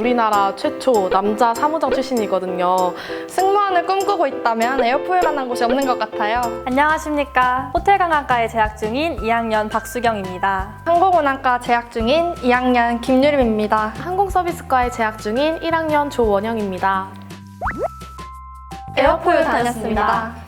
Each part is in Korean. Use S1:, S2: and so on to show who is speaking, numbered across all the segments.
S1: 우리나라 최초 남자 사무장 출신이거든요.
S2: 승무원을 꿈꾸고 있다면 에어포일 만한 곳이 없는 것 같아요.
S3: 안녕하십니까. 호텔관광과에 재학 중인 2학년 박수경입니다.
S2: 항공운항과 재학 중인 2학년 김유림입니다.
S1: 항공서비스과에 재학 중인 1학년 조원영입니다.
S2: 에어포일 다녔습니다.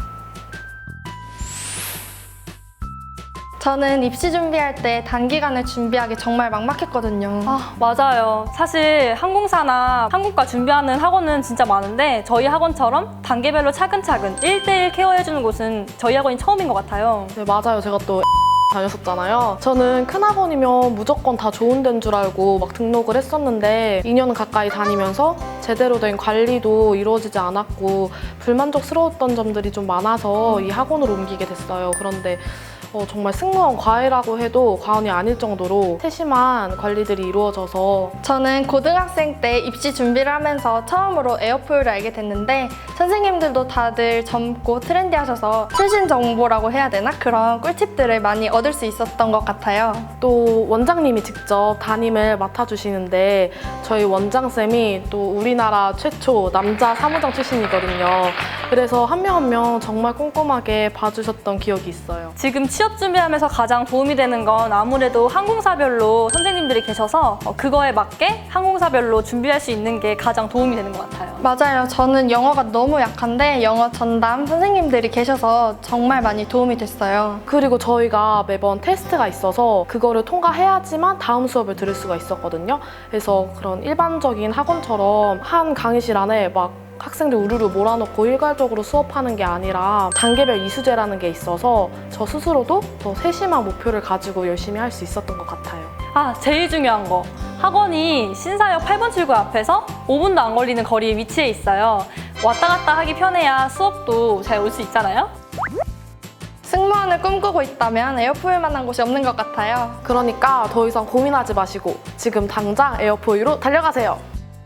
S2: 저는 입시 준비할 때 단기간에 준비하기 정말 막막했거든요.
S3: 맞아요. 사실 항공사나 항공과 준비하는 학원은 진짜 많은데 저희 학원처럼 단계별로 차근차근 1대1 케어해주는 곳은 저희 학원이 처음인 것 같아요.
S1: 네, 맞아요. 제가 또 다녔었잖아요. 저는 큰 학원이면 무조건 다 좋은 데인 줄 알고 막 등록을 했었는데 2년 가까이 다니면서 제대로 된 관리도 이루어지지 않았고 불만족스러웠던 점들이 좀 많아서 이 학원으로 옮기게 됐어요. 그런데 정말 승무원 과외라고 해도 과언이 아닐 정도로 세심한 관리들이 이루어져서
S2: 저는 고등학생 때 입시 준비를 하면서 처음으로 에어포일을 알게 됐는데 선생님들도 다들 젊고 트렌디하셔서 최신 정보라고 해야 되나? 그런 꿀팁들을 많이 얻을 수 있었던 것 같아요.
S1: 또 원장님이 직접 담임을 맡아주시는데 저희 원장쌤이 또 우리나라 최초 남자 사무장 출신이거든요. 그래서 한 명 한 명 정말 꼼꼼하게 봐주셨던 기억이 있어요.
S3: 지금 취업 준비하면서 가장 도움이 되는 건 아무래도 항공사별로 선생님들이 계셔서 그거에 맞게 항공사별로 준비할 수 있는 게 가장 도움이 되는 것 같아요.
S2: 맞아요. 저는 영어가 너무 약한데 영어 전담 선생님들이 계셔서 정말 많이 도움이 됐어요.
S1: 그리고 저희가 매번 테스트가 있어서 그거를 통과해야지만 다음 수업을 들을 수가 있었거든요. 그래서 그런 일반적인 학원처럼 한 강의실 안에 막 학생들 우르르 몰아넣고 일괄적으로 수업하는 게 아니라 단계별 이수제라는 게 있어서 저 스스로도 더 세심한 목표를 가지고 열심히 할 수 있었던 것 같아요.
S3: 제일 중요한 거. 학원이 신사역 8번 출구 앞에서 5분도 안 걸리는 거리에 위치해 있어요. 왔다 갔다 하기 편해야 수업도 잘 올 수 있잖아요.
S2: 승무원을 꿈꾸고 있다면 에어포일 만한 곳이 없는 것 같아요.
S1: 그러니까 더 이상 고민하지 마시고 지금 당장 에어포유로 달려가세요.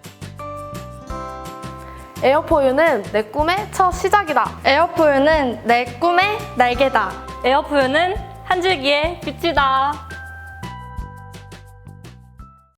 S1: 에어포유는 내 꿈의 첫 시작이다.
S2: 에어포일은 내 꿈의 날개다.
S3: 에어포유는 한 줄기의 빛이다.